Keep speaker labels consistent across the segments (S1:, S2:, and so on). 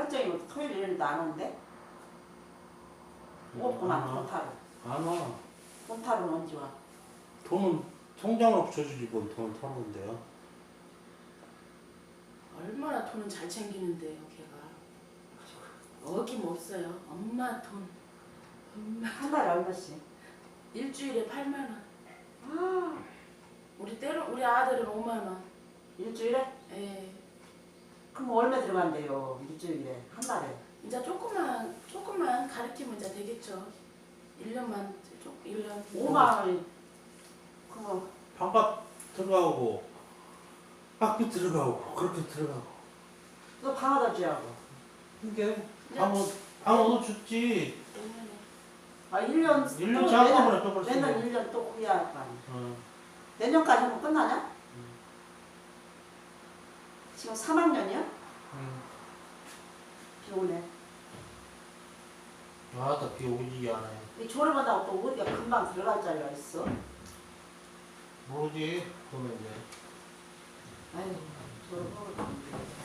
S1: 설정이고 토요일 일요일도 안 오는데? 없구만 돈타로.
S2: 안 와.
S1: 돈타로는 언제 와?
S2: 돈은 통장으로 붙여주지 뭘 돈을 타는 건데요.
S3: 얼마나 돈은 잘 챙기는데요, 걔가. 어김없어요. 엄마 돈. 엄마.
S1: 한 달에 얼마씩?
S3: 일주일에 8만 원.
S1: 아,
S3: 우리 아들은 5만 원.
S1: 일주일에?
S3: 예.
S1: 그럼 얼마 들어간대요 일주일에 한 달에?
S3: 이제 조금만 가르치면 이제 되겠죠. 1년만 1년.
S1: 5만 원이 그거
S2: 방값 들어가고 학비 들어가고 그렇게 들어가고.
S1: 너 방아다 줘야고.
S2: 이게 방어도 줬지.
S3: 내년에.
S1: 아 1년
S2: 1년 작업을 또 벌써.
S1: 내년 1년 또 후야 할 거 아니야.
S2: 어.
S1: 내년까지 하면 끝나냐? 지금 3학년이야? 비 오네.
S2: 아따 비 오지 않아요.
S1: 이 졸업한다고 또 어디가 금방 들어갈 자리가 있어?
S2: 모르지. 그러면 이제.
S1: 아유 졸업하고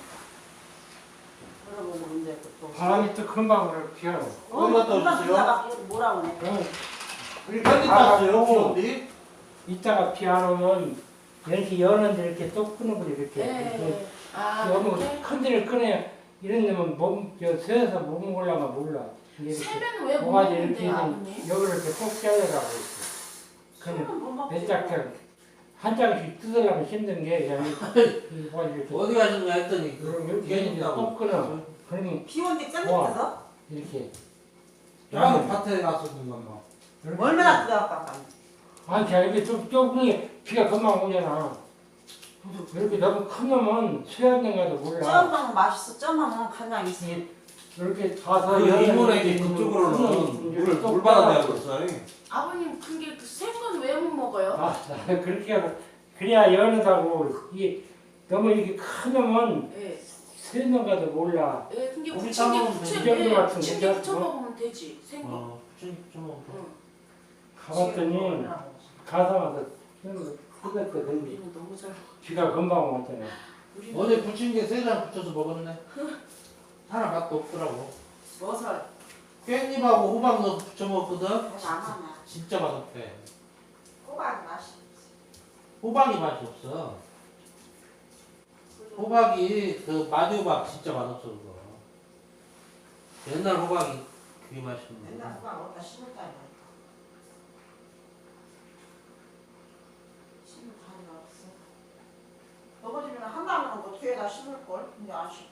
S1: 졸업하고 이제 또
S4: 바람이 또 금방 그래 피하고.
S2: 어디다
S1: 금방
S2: 떠주세요?
S1: 들어가 뭐라 그래?
S4: 우리
S2: 빨리 땄어요, 기업이?
S4: 이따가 피 안 오면 이렇게 여는데 이렇게 또 끊어버려 이렇게.
S3: 예. 아,
S4: 너무
S3: 그렇게?
S4: 큰 데를 꺼내야 이런 데면 세서 못 먹으려면 몰라.
S3: 세면 왜 못
S4: 뭐가지 이렇게
S3: 먹는데요, 아버님?
S4: 여기를 이렇게 꼭 잘라라고 있어. 그냥
S1: 술은 못 먹지.
S4: 내짝장 한 장씩 뜯으려면 힘든 게 그냥 이 뭐가지 이렇게
S2: 어디 가시냐 했더니
S4: 이렇게 이제 꼭 끊어. 그러면
S1: 비 온데 짠
S4: 와.
S1: 밑에서?
S4: 이렇게.
S2: 야, 밭에 갔었는가 뭐.
S1: 얼마나 들어갈까?
S4: 아니 그냥 이렇게 좀 좁으니 비가 금방 오잖아. 이렇게 너무 크면 수영장 가도 몰라.
S1: 쪄먹으면 맛있어. 쪄먹으면 간장 있어.
S4: 이렇게 가서
S2: 그
S4: 여는
S2: 이모네게
S4: 이렇게
S2: 그쪽으로는
S4: 이렇게
S2: 물
S4: 똑
S2: 받아내야
S4: 따라서.
S2: 벌써.
S3: 아버님 그게 생건 왜 못 먹어요?
S4: 아, 그렇게 하고 그래야 연하다고 이게 너무 이렇게 크면
S3: 예.
S4: 수영장 가도 몰라.
S3: 예, 근데
S2: 고기
S3: 부침개
S2: 싸먹으면
S4: 되지. 이 정도 같은
S3: 부침개
S4: 거죠?
S3: 부쳐 먹으면 되지. 생거.
S2: 좀.
S3: 응.
S4: 가봤더니 가서 와서 뜯었거든.
S3: 우리는 너무 잘.
S4: 비가 금방 왔잖아.
S3: 우리는
S2: 어제 부침개 3장 붙여서 먹었네. 하나 맛도 없더라고.
S1: 뭐설?
S2: 깻잎하고 호박 넣어서 부쳐 먹었거든.
S1: 안 하나.
S2: 진짜 맛없대.
S1: 호박 맛이.
S2: 호박이 맛이 없어. 호박이 그 마디호박 진짜 맛없어 그거. 옛날 호박이 그게 맛있는데.
S1: 맨날 호박 어디다 심을까 이거. 심을 자리가 없어. 너거 집에는 한 달은 뭐 뒤에다 심을 걸. 근데 안 심어.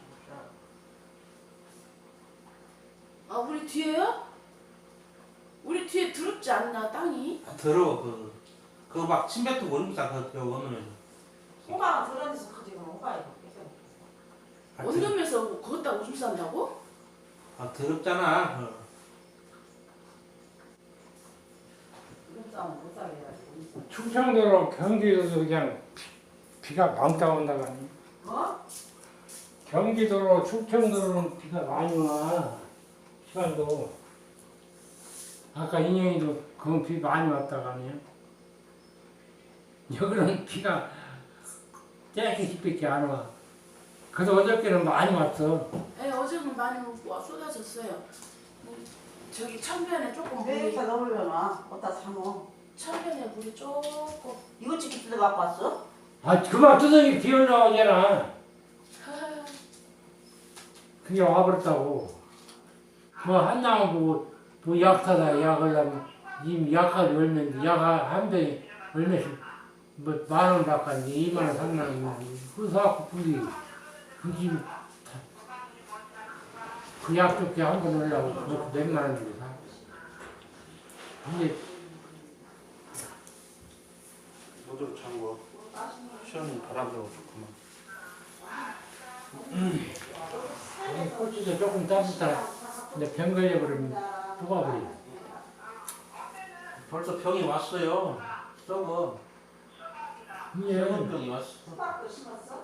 S3: 아 우리 뒤에요? 우리 뒤에 더럽지 않나 땅이?
S2: 더러워 그거 막 침뱉고 오름상 그 원룸에서.
S1: 호박은 그런 데서 크지 그럼 호박이
S3: 원룸에서 거기다 오줌 싼다고?
S2: 아 더럽잖아.
S1: 이런 싸움 못 살게 해야지.
S4: 충청도로 경기도도 그냥 비가 왕따 온다고 하니.
S1: 어?
S4: 경기도로 충청도로는 비가 많이 와. 시간도. 아까 인영이도 그건 비 많이 왔다고 하네요. 여기는 비가 땡기밖에 안 와. 그래도 어저께는 많이 왔어.
S3: 예, 어제는 많이 쏟아졌어요. 저기 천변에 조금
S1: 왜
S3: 물이
S1: 이렇게 넣으려나? 어디다 사모?
S3: 천변에 물이 조금.
S1: 이거 찍기 뜯어 갖고 왔어?
S4: 아, 그만 두더니 비 올라오잖아. 그게 와버렸다고. 뭐 한나무 뭐 약하다 약하려면 이미 약하게 얼면 약하 한 병에 얼마씩 뭐 10,000원 바꿨는데 20,000원 30,000원 그래서 불이 그집 그 약좋게 한 번 올라고 그것도 몇만 원 주고 사. 근데
S2: 모두 잠궈. 시원히 바람 들어오고 좋구만.
S4: 여기 고추도 조금 따뜻하다. 근데 병 걸려버리면 녹아버려.
S2: 벌써 병이 왔어요. 썩어.
S4: 예.
S2: 썩은 병이 왔어.
S1: 호박도 심었어?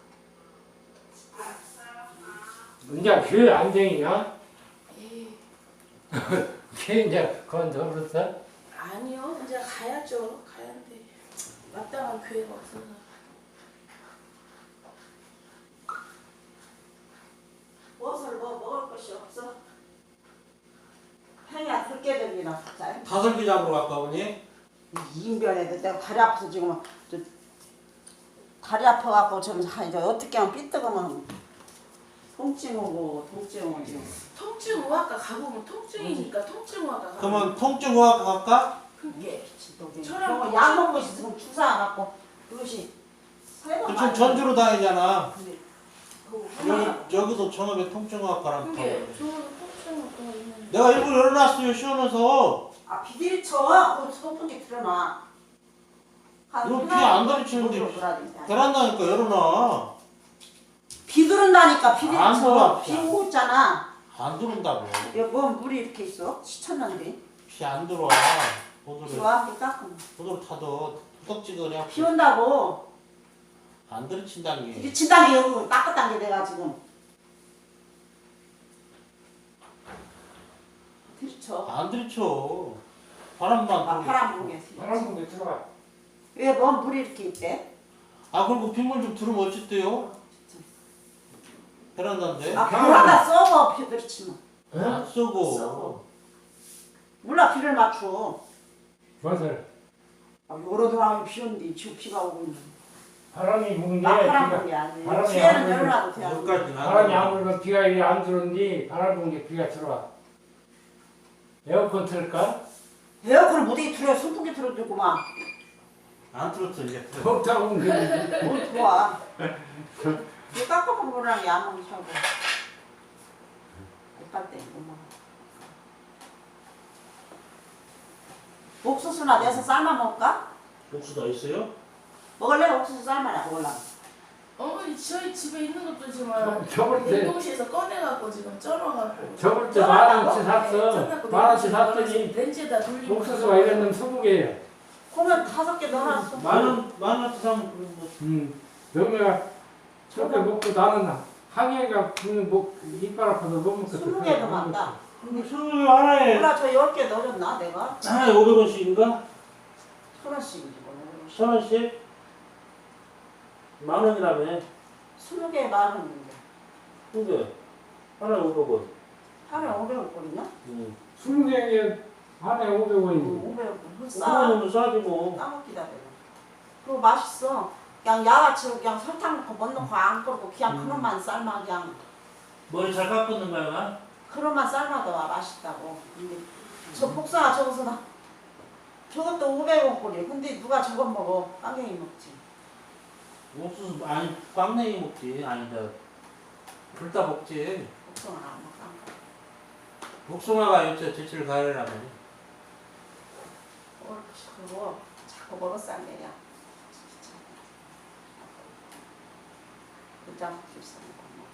S4: 이제 그 안정이냐?
S3: 에이,
S4: 걔 이제 건져버렸어?
S3: 아니요. 이제 가야죠. 가야는데 마땅한 기회가 없어서.
S1: 무엇을 뭐 인변이나 갖자.
S2: 다슬기 잡으러 갈까 보니?
S1: 인변에 내가 다리 아파서 지금 저 다리 아파갖고 좀 이제 어떻게 하면 삐뚤으면 통증 오고 통증 오고 지금.
S3: 통증의학과 가보면 통증이니까 통증의학과 가보면
S2: 그러면 통증의학과 갈까?
S3: 그게
S1: 저거
S3: 저랑
S1: 약 먹고 있으면 주사 안 맞고 그것이
S2: 그 지금 전주로 다니잖아.
S1: 근데 그거 하나
S2: 여기서 전업에 통증의학과랑
S3: 그게
S2: 가.
S3: 좋은 통증의학과 있는데
S2: 내가 일부러 열어놨어요, 시원해서.
S1: 아 비디리 쳐. 그 소풍기 틀어놔.
S2: 이거 비안 들이치는데 베란다니까 열어놔.
S1: 비 들은다니까 비디리
S2: 안
S1: 쳐.
S2: 들어와.
S1: 비 오고 있잖아.
S2: 안 들어온다고.
S1: 여기 뭐 물이 이렇게 있어? 시쳤는데.
S2: 비 안 들어와.
S1: 비
S2: 보드를
S1: 와? 이렇게 닦으면.
S2: 타도 투덕지근해.
S1: 비 온다고.
S2: 안 들이친다는 게.
S1: 비리친다는 게 여기 닦았다는 게 내가 지금. 들이쳐.
S2: 안 들이쳐. 바람만
S1: 아,
S2: 들고.
S1: 바람 불게.
S4: 바람 분게 들어가.
S1: 왜뭐 물이 이렇게 있대?
S2: 아 그리고 빗물 좀 들으면 어쨌대요? 베란다인데.
S1: 아 불하다 썩어 비 들이치면.
S2: 안 쓰고.
S1: 썩어. 몰라 비를 맞춰.
S4: 무엇을?
S1: 아, 여러 돌아오면 비 오는데 지금 비가 오고 있는.
S4: 바람이 부는 게
S1: 바람
S4: 비가,
S1: 불게 아니지.
S4: 바람이
S1: 뒤에는
S4: 안
S1: 열어놔도 돼.
S2: 여기까지는 안
S4: 바람이 안
S2: 들어와.
S4: 불면 비가 이리 안 들어오는데 바람 부는 게 비가 들어와. 에어컨 틀까?
S1: 에어컨을 못하게 틀어 선풍기 틀어주고만.
S2: 안 틀었어 이제.
S4: 덥다고 그러는데.
S1: 뭘 좋아. 이 깎아먹은 거랑 야먹이 사고. 못갈 때, 엄마. 옥수수나 내서 삶아 먹을까?
S2: 옥수 더 있어요?
S1: 먹을래? 옥수수 삶아라 먹을라.
S3: 어머니 저희 집에 있는 것도 지금
S4: 저번 때
S3: 냉동실에서 꺼내갖고 지금 쪄놔갖고
S4: 저번 때 10,000원치 샀어.
S3: 쪄놨고
S4: 10,000원치
S3: 냉동실에
S4: 샀더니
S3: 렌즈에다 돌리고
S4: 옥수수가 이랬는 20개예요.
S1: 그러면 5개 넣어놨어.
S2: 만원 사면 그런 거.
S4: 영매가 저렇게 먹고 나는 항해가 이빨 아파서 못 먹겠어.
S1: 20개도 많다.
S2: 근데 수능 하나에
S1: 몰라 저 10개 넣어줬나 내가?
S2: 하나에 500원씩인가?
S1: 1,000원씩이지 뭐.
S2: 1,000원씩? 만 원이라며.
S1: 20개 만원인데.
S2: 근데 하나에 500원.
S1: 하루에 500원 꼴이냐?
S4: 20개에 안에 500원이지.
S1: 500원.
S2: 500원
S1: 싸.
S2: 넘으면 싸지 뭐.
S1: 까먹기다 내가. 그거 맛있어. 그냥 야가치로 그냥 설탕 넣고 못 넣고 안 끓고 그냥 그릇만 삶아 그냥
S2: 머리 잘 깎는 거야?
S1: 그릇만 삶아도 맛있다고. 근데 저 복숭아 저거서 나 저것도 500원 꼴이야. 근데 누가 저거 먹어? 깡갱이 먹지.
S2: 옥수수 아니 꽝냉이 먹지. 아니다. 둘 다 먹지.
S1: 복숭아는 안 먹어.
S2: 복숭아가 요새 제칠 가려라면.
S1: 그거 자꾸 먹었어 안 되냐. 그장 비싸.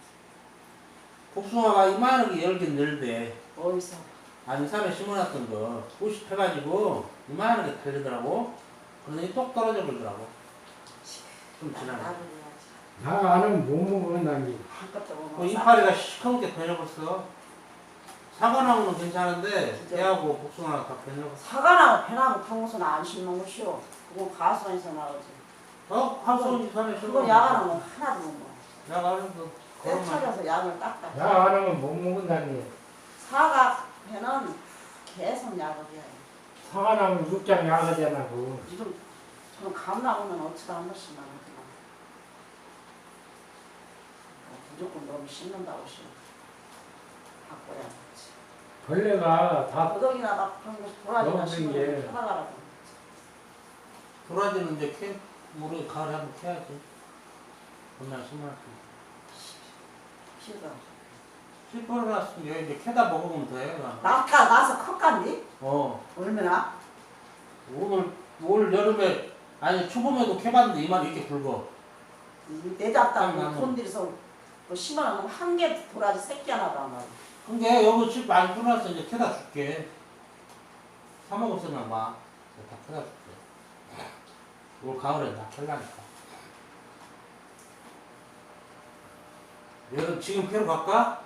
S2: 복숭아가 이만하게 열긴 늘대.
S1: 어디서?
S2: 아니 산에 심어놨던 거 꽃이 펴가지고 이만하게 달리더라고. 그러더니 똑 떨어져 버리더라고. 좀 지나네.
S1: 나를 해야지.
S4: 나 아는 못 먹는다는 게.
S1: 한것도 못
S2: 그
S1: 먹어.
S2: 이파리가 시커멓게 변해버렸어. 사과나무는 괜찮은데
S1: 진짜?
S2: 개하고 복숭아가 다 변해버렸어.
S1: 사과나무 배나무 그런 것은 안 심는 것이오. 그건 가수원에서 나오지.
S2: 하수원이 산에 심어.
S1: 그건 야간은 하나도 못 먹어.
S2: 야간은 그
S1: 때
S2: 그것만.
S1: 차려서 약을 닦아.
S4: 나 아는 못 먹는다는 게.
S1: 사과 배는 계속 약을 해야 돼.
S4: 사과나무 육장 야가잖아. 그.
S1: 지금 저는 감 나오면 어찌다 한 번씩 나오더만. 무조건 너무 씹는다고 싫어. 바꿔야 되지.
S4: 벌레가 다
S1: 도덕이나 막 그런 거 도라지나
S4: 너무
S1: 심으면
S4: 게.
S1: 사과라고.
S2: 도라지는 이제 우리 가을에 한번 캐야지. 그날 심어놨지.
S1: 피가.
S2: 실버려놨으면 여기 이제 캐다 먹으면 돼.
S1: 나서 컸간디?
S2: 어.
S1: 얼마나?
S2: 올 여름에 아니 초봄에도 캐봤는데 이만 이렇게 붉어.
S1: 내잡다고
S2: 나무.
S1: 돈 들여서 뭐 심어놓으면 한 개 도라지 새끼 하나도 안 나와.
S2: 근데 여기 집 많이 풀어놨어. 이제 캐다 줄게. 사 먹었으면 막 다 캐다 줄게. 올 가을에 다 캘라니까. 여름 지금 캐러 갈까?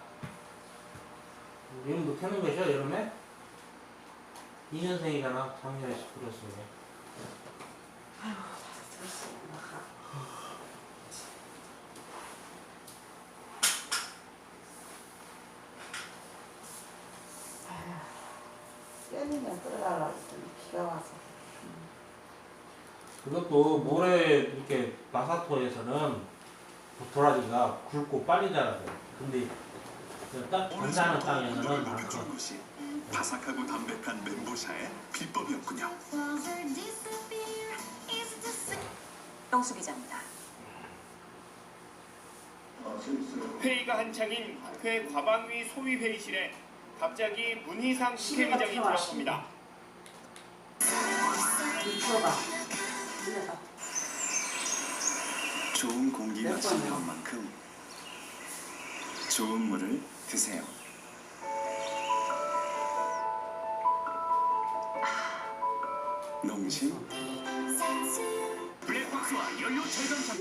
S2: 여름도 캐는 것이야 여름에? 2년생이잖아. 작년에 19였으면.
S1: 끓이면 끓여라 했더니 비가 와서.
S2: 그것도 모래 이렇게 마사토에서는 도라지가 굵고 빨리 자라요. 근데 딱 괜찮은 땅에서는 안 커.
S5: 것이 바삭하고 담백한 멘보샤의 비법이었군요.
S6: 영수 기자입니다.
S7: 회의가 한창인 국회 과방위 소위회의실에 갑자기 문희상 국회의장이 들어섭니다.
S1: 미쳐봐. 내가
S5: 좋은 공기가 지나온 만큼 좋은 물을 드세요. 농심
S7: 블랙박스와 연료 절감 장